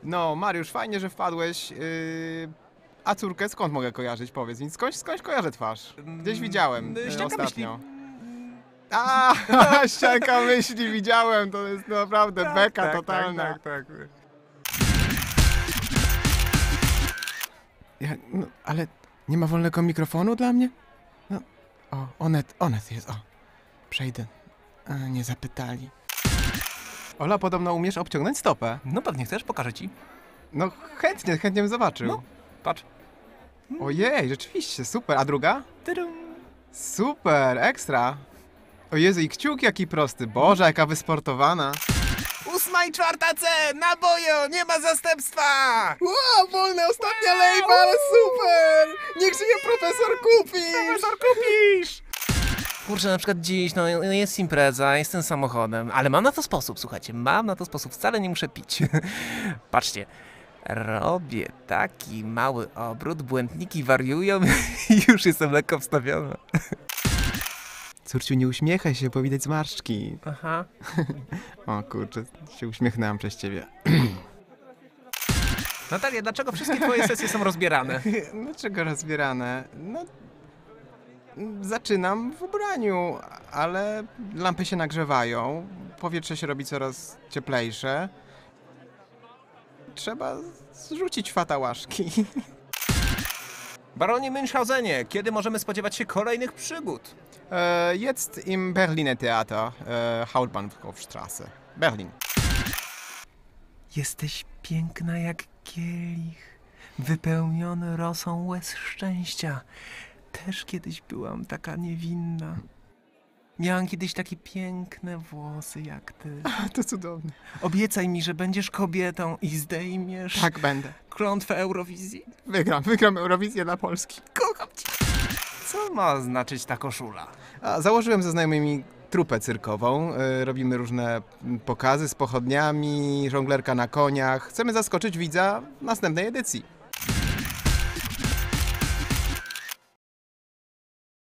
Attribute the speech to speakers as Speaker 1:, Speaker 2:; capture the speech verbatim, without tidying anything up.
Speaker 1: No, Mariusz, fajnie, że wpadłeś. Yy... A córkę skąd mogę kojarzyć, powiedz mi? Skądś, skądś kojarzę twarz. Gdzieś widziałem
Speaker 2: Mm,
Speaker 1: yy,
Speaker 2: ścianka
Speaker 1: ostatnio.
Speaker 2: myśli.
Speaker 1: A, ścianka myśli widziałem, to jest naprawdę
Speaker 2: Tak,
Speaker 1: beka
Speaker 2: tak,
Speaker 1: totalna.
Speaker 2: Tak, tak, tak.
Speaker 1: Ja, no, ale nie ma wolnego mikrofonu dla mnie? No, o, Onet, Onet jest, o. Przejdę. A, nie zapytali. Ola, podobno umiesz obciągnąć stopę.
Speaker 2: No pewnie chcesz, pokażę ci.
Speaker 1: No chętnie, chętnie bym zobaczył.
Speaker 2: No. Patrz.
Speaker 1: Ojej, rzeczywiście, super. A druga?
Speaker 2: Tydum.
Speaker 1: Super, ekstra. O Jezu, i kciuk jaki prosty. Boże, jaka wysportowana.
Speaker 2: Ósma i czwarta C! Na boju! Nie ma zastępstwa!
Speaker 1: Wow, wolne ostatnia lejba, ale super! Niech żyje profesor Kupisz!
Speaker 2: Profesor Kupisz! Kurczę, na przykład dziś, no jest impreza, jestem samochodem, ale mam na to sposób, słuchajcie, mam na to sposób, wcale nie muszę pić. Patrzcie, robię taki mały obrót, błędniki wariują i już jestem lekko wstawiona.
Speaker 1: Córciu, nie uśmiechaj się, bo widać zmarszczki.
Speaker 2: Aha.
Speaker 1: O kurczę, się uśmiechnęłam przez ciebie.
Speaker 2: Natalia, dlaczego wszystkie twoje sesje są rozbierane?
Speaker 1: Dlaczego rozbierane? No, zaczynam w ubraniu, ale lampy się nagrzewają, powietrze się robi coraz cieplejsze. Trzeba zrzucić fatałaszki.
Speaker 2: Baronie Münchhausenie, kiedy możemy spodziewać się kolejnych przygód?
Speaker 1: E, jetzt im Berliner Theater, e, Hauptbahnhofstraße, Berlin.
Speaker 2: Jesteś piękna jak kielich, wypełniony rosą łez szczęścia. Też kiedyś byłam taka niewinna. Miałam kiedyś takie piękne włosy jak ty.
Speaker 1: To cudowne.
Speaker 2: Obiecaj mi, że będziesz kobietą i zdejmiesz
Speaker 1: Tak będę.
Speaker 2: klątwę Eurowizji.
Speaker 1: Wygram, wygram Eurowizję dla Polski.
Speaker 2: Kocham cię. Co ma znaczyć ta koszula?
Speaker 1: A, założyłem ze znajomymi trupę cyrkową. E, robimy różne pokazy z pochodniami, żonglerka na koniach. Chcemy zaskoczyć widza w następnej edycji.